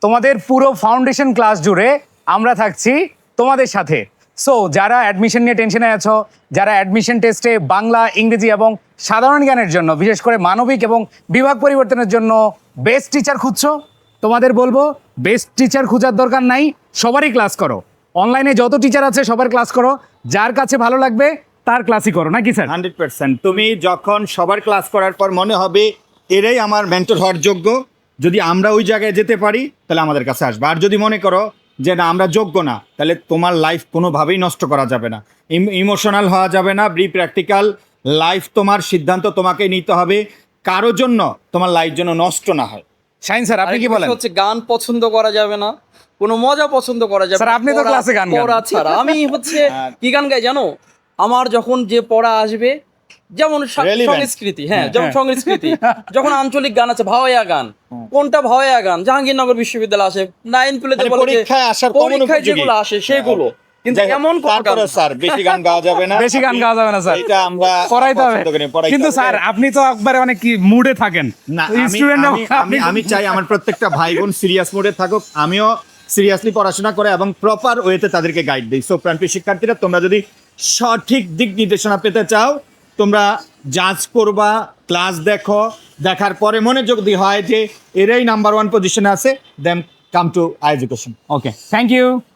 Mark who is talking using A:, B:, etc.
A: তোমাদের পুরো foundation class জুড়ে আমরা থাকছি তোমাদের সাথে। সো যারা অ্যাডমিশন নিয়ে টেনশনে আছো, যারা অ্যাডমিশন টেস্টে বাংলা, ইংরেজি এবং সাধারণ জ্ঞানের জন্য, বিশেষ করে মানবিক এবং বিভাগ পরিবর্তনের জন্য বেস্ট টিচার খুঁজছো, তোমাদের বলবো বেস্ট টিচার খোঁজার দরকার নাই, সবারই ক্লাস করো। অনলাইনে যত টিচার আছে সবার ক্লাস করো, যার কাছে ভালো লাগবে তার ক্লাসই করো, নাকি স্যার?
B: 100%। তুমি যখন সবার ক্লাস করার পর মনে হবে এরাই আমার মেন্টর হওয়ার যোগ্য, যদি আমরা ওই জায়গায় যেতে পারি তাহলে আমাদের কাছে আসবে। আর যদি মনে করো যে না আমরা যোগ্য না, তাহলে তোমার লাইফ কোনোভাবেই নষ্ট করা যাবে না, ইমোশনাল হওয়া যাবে না। প্র্যাকটিক্যাল লাইফ তোমার সিদ্ধান্ত তোমাকে নিতে হবে, কারো জন্য তোমার লাইফ যেন নষ্ট না হয়।
A: শাহিন স্যার আপনি কি বলেন?
C: হচ্ছে গান পছন্দ করা যাবে না, কোনো মজা পছন্দ করা যাবে
A: স্যার,
C: না।
A: আপনি তো ক্লাসে গান গান।
C: পড়া ছাড়া আমি হচ্ছে কি গান গাই জানো? আমার যখন যে পড়া আসবে, যেমন
B: Relevant.
C: সংস্কৃতি, হ্যাঁ যেমন সংস্কৃতি, যখন আঞ্চলিক গান আছে, ভাওয়াইয়া গান, কোনটা ভাওয়াইয়া গান জাহাঙ্গীরনগর বিশ্ববিদ্যালয় আসে, 9 প্লেতে
B: মানে
C: বলে যে
B: পরীক্ষায় আসার common
C: পরীক্ষায়
B: উপযোগী।
C: যেগুলো আসে সেগুলো, কিন্তু
B: যাই হোক,
C: এমন কোন গান
B: তারপরে স্যার বেশি গান গাওয়া যাবে না,
A: বেশি গান গাওয়া যাবে না স্যার,
B: এটা আমরা
A: পড়াইতে হবে।
B: পছন্দ করি, পড়াইতে
A: কিন্তু
B: হবে।
A: স্যার আপনি তো একবারে অনেক কি মুডে থাকেন
B: না,
A: স্টুডেন্ট।
B: আমি চাই আমার প্রত্যেকটা ভাই বোন সিরিয়াস মোডে থাকুক, আমিও সিরিয়াসলি পড়াশোনা করে এবং প্রপার ওয়েতে তাদেরকে গাইড দিই। সো প্রাণপ্রিয় শিক্ষার্থীরা, তোমরা যদি সঠিক দিক নির্দেশনা পেতে চাও, তোমরা জাজ করবা, ক্লাস দেখো, দেখার পরে মনে যদি হয় যে এরাই নাম্বার 1 পজিশনে আছে, then come to education.
A: Okay, thank you.